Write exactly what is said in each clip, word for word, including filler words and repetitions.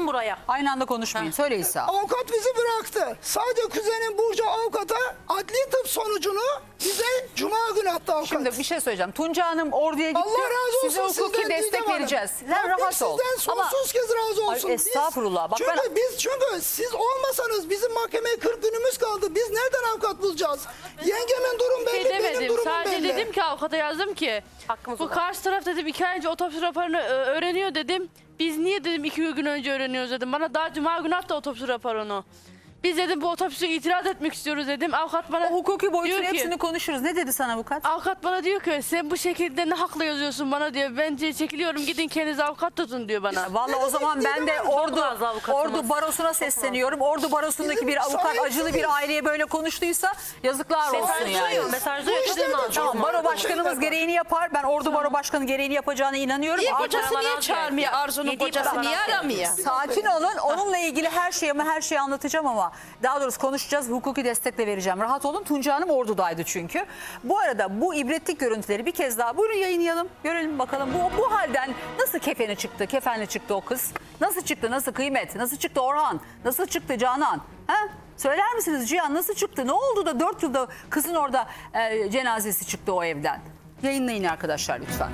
Gelin buraya. Aynı anda konuşmayın. Söyle İsa. Avukat bizi bıraktı. Sadece kuzenim Burcu avukata adli tıp sonucunu bize cuma günü attı avukat. Şimdi bir şey söyleyeceğim. Tunca Hanım orduya gitti. Allah razı olsun Size hukuki sizden destek Didem Hanım. vereceğiz. Sen Rabbim rahat ol. sizden Ama sonsuz kez razı olsun. Ay, Biz- estağfurullah. Bak çünkü ben- biz çünkü siz olmasanız bizim mahkemeye kırk günümüz kaldı. Biz nereden avukat bulacağız? Yengemin durum belli, Şey benim demedim. durumum Sadece belli. dedim ki avukata yazdım ki Hakkımız bu olan. karşı taraf dedim iki ay önce otopsi raporunu e, öğreniyor dedim. Biz niye dedim iki gün önce öğreniyoruz dedim. Bana daha cuma günü attı otopsi raporunu. Biz dedim bu otopsiye itiraz etmek istiyoruz dedim. Avukat bana o hukuki boyutun diyor ki- hepsini konuşuruz. Ne dedi sana avukat? Avukat bana diyor ki sen bu şekilde ne hakla yazıyorsun bana diyor. Bence çekiliyorum gidin kendiniz avukat tutun diyor bana. Vallahi o zaman ben de ordu fazla avukatımız. ordu barosuna sesleniyorum. Ordu barosundaki Bizim bir avukat sahipsiniz. acılı bir aileye böyle konuştuysa yazıklar olsun Mesajlıyor, yani. mesajlıyor. Bu işte Kadın de lazım. Tamam, baro Çok başkanımız şeyler var. gereğini yapar. Ben ordu baro başkanı gereğini yapacağına inanıyorum. Niye Ama- kocası niye çağırmıyor? Arzu'nun Yediği kocası paradan niye alıyor. aramıyor? Sakin olun. Onunla ilgili her şeyi ama her şeyi anlatacağım ama daha doğrusu konuşacağız. Hukuki destek de vereceğim. Rahat olun. Tunca Hanım ordudaydı çünkü. Bu arada bu ibretlik görüntüleri bir kez daha buyurun yayınlayalım. Görelim bakalım bu, bu halden nasıl kefeni çıktı, kefenli çıktı o kız? Nasıl çıktı, nasıl kıymet, nasıl çıktı Orhan, nasıl çıktı Canan? Ha? Söyler misiniz Cihan nasıl çıktı? Ne oldu da dört yılda kızın orada e, cenazesi çıktı o evden? Yayınlayın arkadaşlar lütfen.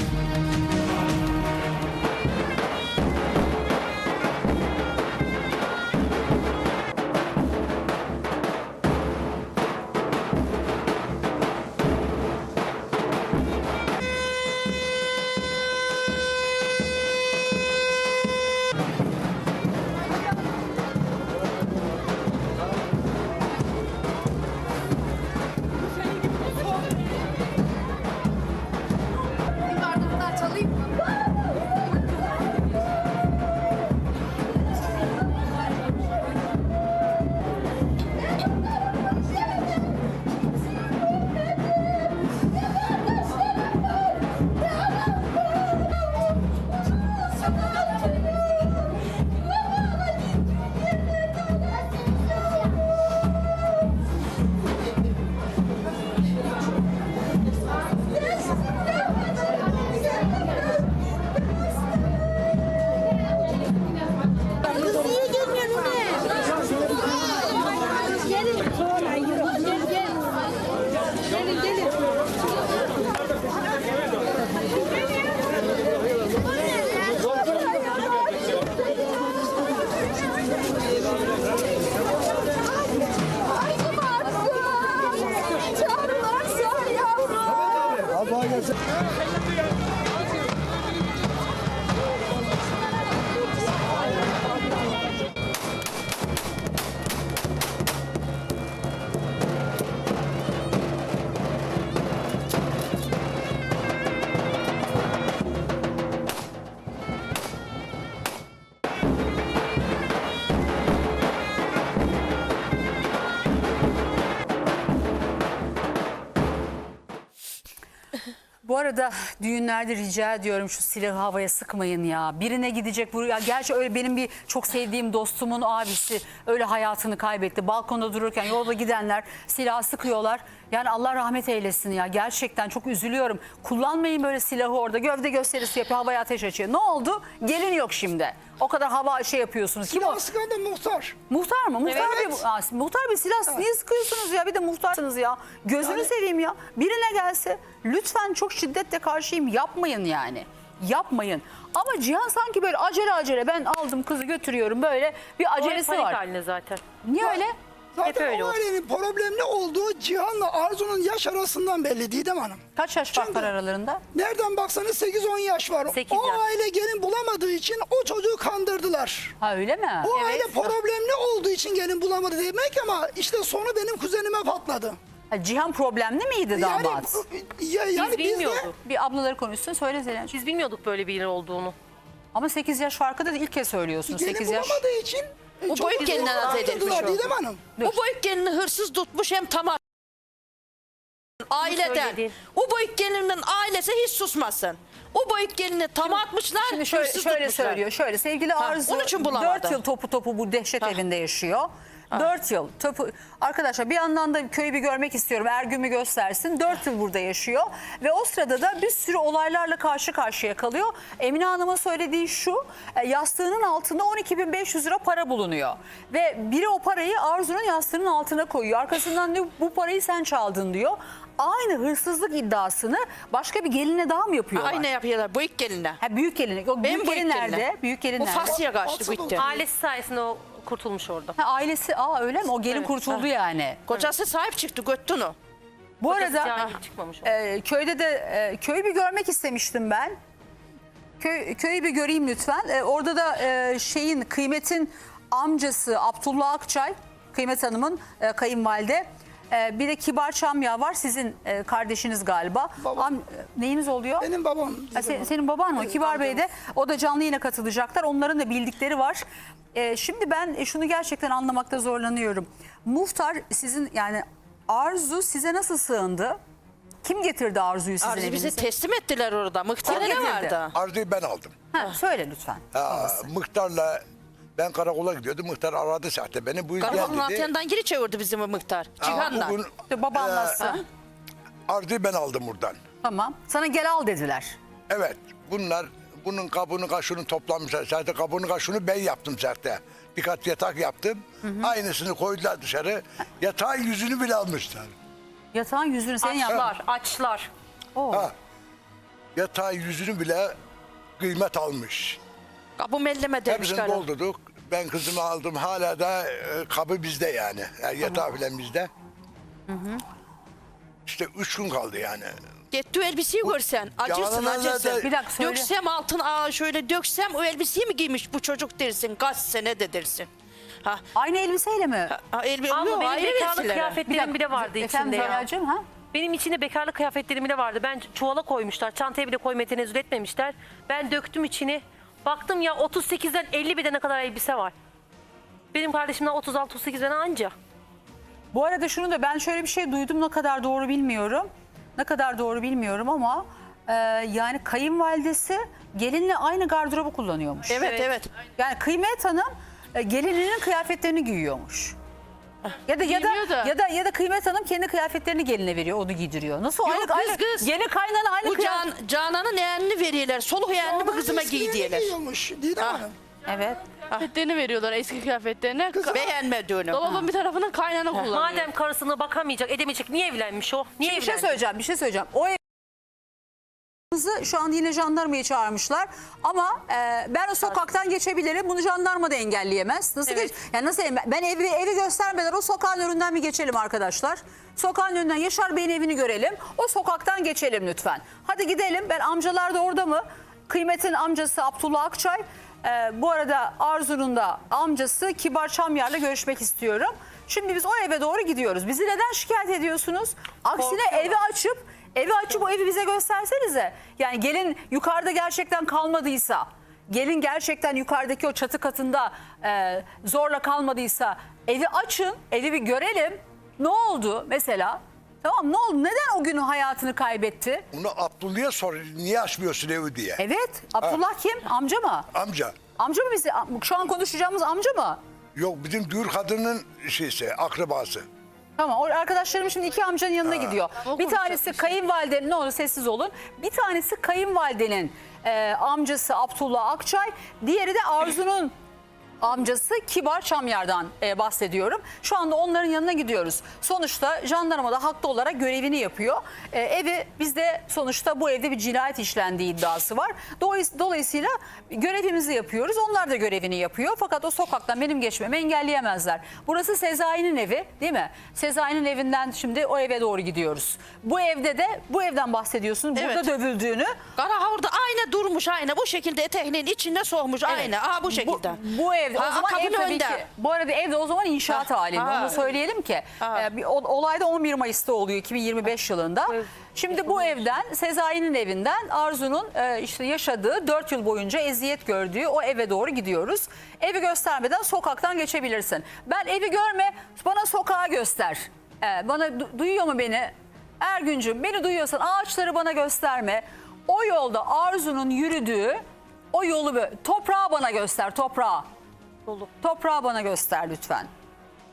Bu arada düğünlerde rica ediyorum şu silahı havaya sıkmayın ya. Birine gidecek buraya. Gerçi öyle benim bir çok sevdiğim dostumun abisi öyle hayatını kaybetti. Balkonda dururken yolda gidenler silahı sıkıyorlar. Yani Allah rahmet eylesin ya. Gerçekten çok üzülüyorum. Kullanmayın böyle silahı orada. Gövde gösterisi yapıyor, havaya ateş açıyor. Ne oldu? Gelin yok şimdi. O kadar hava şey yapıyorsunuz. Kim o? Silah sıkan da muhtar. Muhtar mı? Muhtar Evet. bir, Aa, muhtar bir silah niye sıkıyorsunuz ya? Bir de muhtarsınız ya. Gözünü Yani- seveyim ya. Birine gelse lütfen çok şiddetle karşıyım. Yapmayın yani. Yapmayın. Ama Cihan sanki böyle acele acele ben aldım kızı götürüyorum böyle bir acelesi Panik var. haline zaten. Niye öyle? Zaten öyle o oldu. ailenin problemli olduğu Cihan'la Arzu'nun yaş arasından belli Didem Hanım. Kaç yaş fark Çünkü- var aralarında? Nereden baksanız sekiz on yaş var. Sekiz o yaş. aile gelin bulamadığı için o çocuğu kandırdılar. Ha öyle mi? O aile problemli olduğu için gelin bulamadı demek ama işte sonu benim kuzenime patladı. Ha, Cihan problemli miydi Yani, damat? ya, yani Biz biz de bilmiyorduk. Bir ablaları konuşsun söyle Zelen. Biz bilmiyorduk böyle biri olduğunu. Ama sekiz yaş farkı da ilk kez söylüyorsun. gelin sekiz yaş. bulamadığı için O çocuğu boyut geline zorla razı edilmiş kandırdılar o. Didem Hanım. Bu boyut gelini hırsız tutmuş hem tamam. Aileden. söylediğin. O boyut gelinin ailesi hiç susmasın. O boyut gelini tam atmışlar, Şimdi şöyle, hırsız şöyle tutmuşlar. söylüyor. Şöyle sevgili Arzu onun için bulamadı. dört yıl topu topu bu dehşet evinde yaşıyor. dört yıl. Topu, arkadaşlar bir yandan da köyü bir görmek istiyorum. Ergün'ü göstersin. dört yıl burada yaşıyor. Ve o sırada da bir sürü olaylarla karşı karşıya kalıyor. Emine Hanım'ın söylediği şu. e, Yastığının altında on iki bin beş yüz lira para bulunuyor. Ve biri o parayı Arzu'nun yastığının altına koyuyor. Arkasından diyor bu parayı sen çaldın diyor. Aynı hırsızlık iddiasını başka bir geline daha mı yapıyorlar? Aynı yapıyorlar bu ilk geline. Ha, büyük gelin. O büyük gelin nerede? Büyük gelin Bu nerede? Fasya kaçtı bu ilk gelin. Ailesi sayesinde o kurtulmuş orada. Ha, ailesi aa öyle mi? O gelin Evet, kurtuldu ha. yani. Kocası sahip çıktı göttü onu. Bu Kocası arada cahil çıkmamış o. e, köyde de e, köyü bir görmek istemiştim ben. Köy, köyü bir göreyim lütfen. E, orada da e, şeyin Kıymet'in amcası Abdullah Akçay, Kıymet Hanım'ın e, kayınvalide. E, bir de Kibar Çamya var. Sizin e, kardeşiniz galiba. Babam. Am- neyiniz oluyor? Benim babam. Ha, se- senin baban mı? Evet, Kibar Bey de amcam. o da canlı yayına katılacaklar. Onların da bildikleri var. Ee, şimdi ben şunu gerçekten anlamakta zorlanıyorum. Muhtar sizin yani Arzu size nasıl sığındı? Kim getirdi Arzu'yu sizin Arzu bizi evinize? teslim ettiler orada. Mıhtiyar Kim ne getirdi? vardı? Arzu'yu ben aldım. Ha, söyle lütfen. Ha, Mıhtar'la ben karakola gidiyordum. Mıhtar aradı zaten beni. Bu Karakolun gel dedi. altından geri çevirdi bizim o Mıhtar. Ha, Cihan'la. bugün, İşte baba anlatsın. e, Arzu'yu ben aldım buradan. Tamam. Sana gel al dediler. Evet. Bunlar bunun kabını kaşını toplamışlar. Zaten kabını kaşını ben yaptım zaten. Birkaç yatak yaptım. Aynısını koydular dışarı. Yatağın yüzünü bile almışlar. Yatağın yüzünü senin yaptın. Açlar, açlar. Ha. Yatağın yüzünü bile kıymet almış. Kapı melleme demiş Hepsini karı. doldurduk. Ben kızımı aldım. Hala da e, kabı bizde yani. yani yatağı falan bizde. İşte üç gün kaldı yani. Gitti o elbiseyi görsen. Acırsın Yalanlar acırsın. da- Bir dakika söyle. Döksem altın aa şöyle döksem o elbiseyi mi giymiş bu çocuk dersin. Kaç sene de dersin. Ha, Aynı elbiseyle mi? ha elbi Ama yok, benim ayrı bekarlık versiler. kıyafetlerim bile vardı Efendim içinde ya. Zeracığım, ha? Benim içinde bekarlık kıyafetlerim bile vardı. Ben çuvala koymuşlar. Çantaya bile koymaya tenezzül etmemişler. Ben döktüm içini. Baktım ya otuz sekizden elli bedene kadar elbise var. Benim kardeşimden otuz altı otuz sekiz bedene anca. Bu arada şunu da ben şöyle bir şey duydum, ne kadar doğru bilmiyorum. Ne kadar doğru bilmiyorum ama e, yani kayınvalidesi gelinle aynı gardırobu kullanıyormuş. Evet Evet. evet. Yani Kıymet Hanım e, gelininin kıyafetlerini giyiyormuş. Ya da ya da, Giymiyor da. ya da ya da Kıymet Hanım kendi kıyafetlerini geline veriyor, onu giydiriyor. Nasıl Yok, aynı kız, aynı kız. yeni kaynana aynı Bu kıyafet. can, Canan'ın yeğenini veriyorlar. Soluk yeğenini bu kızıma giy Eskilerini diyorlar. giyiyormuş Didem Ha. Hanım. Evet. Kıyafetlerini veriyorlar, eski kıyafetlerini. Ka- Beğenmediğini. Dolabın bir tarafını kaynana kullanıyor. Madem karısına bakamayacak, edemeyecek, niye evlenmiş o? Niye Bir şey evlendi? söyleyeceğim, bir şey söyleyeceğim. O ev şu an yine jandarmayı çağırmışlar ama e, ben o sokaktan geçebilirim. Bunu jandarma da engelleyemez. Nasıl Evet. geç? Yani nasıl ben evi evi göstermeden o sokağın önünden bir geçelim arkadaşlar. Sokağın önünden Yaşar Bey'in evini görelim. O sokaktan geçelim lütfen. Hadi gidelim. Ben amcalar da orada mı? Kıymet'in amcası Abdullah Akçay. E, bu arada Arzu'nun da amcası Kibar Çamyar'la görüşmek istiyorum. Şimdi biz o eve doğru gidiyoruz. Bizi neden şikayet ediyorsunuz? Aksine Korkuyorlar. evi açıp Evi açıp o evi bize göstersenize. Yani gelin yukarıda gerçekten kalmadıysa, gelin gerçekten yukarıdaki o çatı katında e, zorla kalmadıysa evi açın, evi bir görelim. Ne oldu mesela? Tamam, ne oldu? Neden o günün hayatını kaybetti? Onu Abdullah'a sor. Niye açmıyorsun evi diye. Evet, Abdullah kim? Amca mı? Amca. Amca mı bizi? Şu an konuşacağımız amca mı? Yok bizim düğür kadının şeysi, akrabası. Tamam, o arkadaşlarım şimdi iki amcanın yanına gidiyor. O Bir tanesi konuşacak kayınvalidenin, ne olur sessiz olun. Bir tanesi kayınvalidenin e, amcası Abdullah Akçay. Diğeri de Arzu'nun amcası Kibar Çamyar'dan e, bahsediyorum. Şu anda onların yanına gidiyoruz. Sonuçta jandarma da haklı olarak görevini yapıyor. E, evi bizde sonuçta bu evde bir cinayet işlendiği iddiası var. Dolayıs- Dolayısıyla görevimizi yapıyoruz. Onlar da görevini yapıyor. Fakat o sokaktan benim geçmemi engelleyemezler. Burası Sezai'nin evi, değil mi? Sezai'nin evinden şimdi o eve doğru gidiyoruz. Bu evde de bu evden bahsediyorsun. Burada Evet. dövüldüğünü. Kara orada aynı durmuş aynı. Bu şekilde eteğinin içine soğumuş aynı. Aha bu şekilde. Bu, bu evde Ha, o zaman ev kapının tabii önünde. ki. Bu arada evde o zaman inşaat Ha, halinde. ha. Onu söyleyelim ki. Ha. Ee, bir, o- olay da on bir Mayıs'ta oluyor iki bin yirmi beş yılında. Şimdi bu evden Sezai'nin evinden Arzu'nun e, işte yaşadığı dört yıl boyunca eziyet gördüğü o eve doğru gidiyoruz. Evi göstermeden sokaktan geçebilirsin. Ben evi görme, bana sokağı göster. Ee, bana du- duyuyor mu beni? Ergüncüm, beni duyuyorsan ağaçları bana gösterme. O yolda Arzu'nun yürüdüğü o yolu, bö- toprağı bana göster, toprağı. Dolu. Toprağı bana göster lütfen.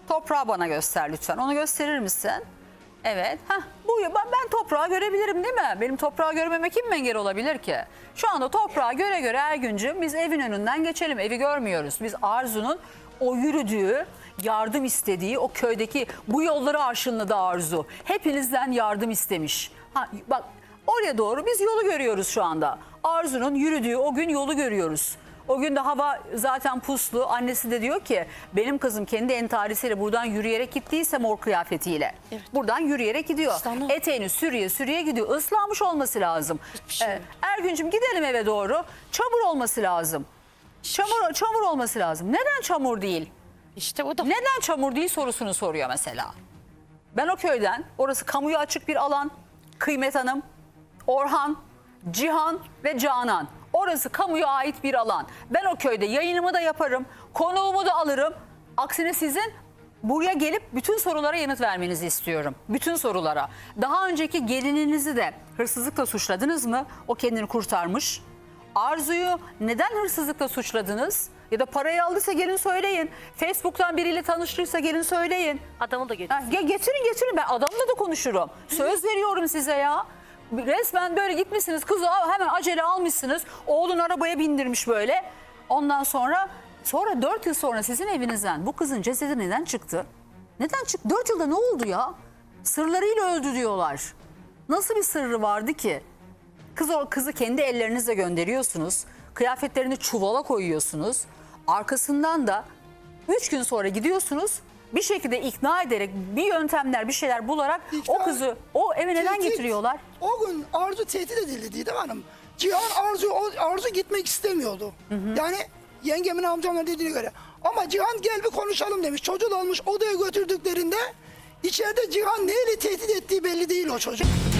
Toprağı bana göster lütfen. Onu gösterir misin? Evet. Heh, bu ben, ben toprağı görebilirim değil mi? Benim toprağı görmeme kim engel olabilir ki? Şu anda toprağı göre göre Ergüncüm biz evin önünden geçelim. Evi görmüyoruz. Biz Arzu'nun o yürüdüğü, yardım istediği o köydeki bu yolları arşınladı Arzu. Hepinizden yardım istemiş. Ha, bak oraya doğru biz yolu görüyoruz şu anda. Arzu'nun yürüdüğü o gün yolu görüyoruz. O gün de hava zaten puslu. Annesi de diyor ki benim kızım kendi entarisiyle buradan yürüyerek gittiyse mor kıyafetiyle. Evet. Buradan yürüyerek gidiyor. İşte onu- Eteğini sürüye sürüye gidiyor. Islanmış olması lazım. Hiçbir şey Ee, yok. Ergüncüm gidelim eve doğru. Çamur olması lazım. Çamur, çamur olması lazım. Neden çamur değil? İşte o da. Neden çamur değil sorusunu soruyor mesela. Ben o köyden, orası kamuya açık bir alan. Kıymet Hanım, Orhan, Cihan ve Canan. Orası kamuya ait bir alan. Ben o köyde yayınımı da yaparım, konuğumu da alırım. Aksine sizin buraya gelip bütün sorulara yanıt vermenizi istiyorum. Bütün sorulara. Daha önceki gelininizi de hırsızlıkla suçladınız mı? O kendini kurtarmış. Arzu'yu neden hırsızlıkla suçladınız? Ya da parayı aldıysa gelin söyleyin. Facebook'tan biriyle tanıştıysa gelin söyleyin. Adamı da getir. Ha, ge- getirin getirin, ben adamla da konuşurum. Söz veriyorum size ya. Resmen böyle gitmişsiniz, kızı al- hemen acele almışsınız. Oğlun arabaya bindirmiş böyle. Ondan sonra sonra dört yıl sonra sizin evinizden bu kızın cesedi neden çıktı? Neden çıktı? Dört yılda ne oldu ya? Sırlarıyla öldü diyorlar. Nasıl bir sırrı vardı ki? Kız o kızı kendi ellerinizle gönderiyorsunuz. Kıyafetlerini çuvala koyuyorsunuz. Arkasından da üç gün sonra gidiyorsunuz. Bir şekilde ikna ederek bir yöntemler bir şeyler bularak o İkna- kızı o eve neden Tehdit. getiriyorlar? O gün Arzu tehdit edildi Didem Hanım. Cihan Arzu, o- Arzu gitmek istemiyordu. Yani yengemin amcamla dediğine göre. Ama Cihan gel bir konuşalım demiş. Çocuğu da almış odaya götürdüklerinde içeride Cihan neyle tehdit ettiği belli değil o çocuk.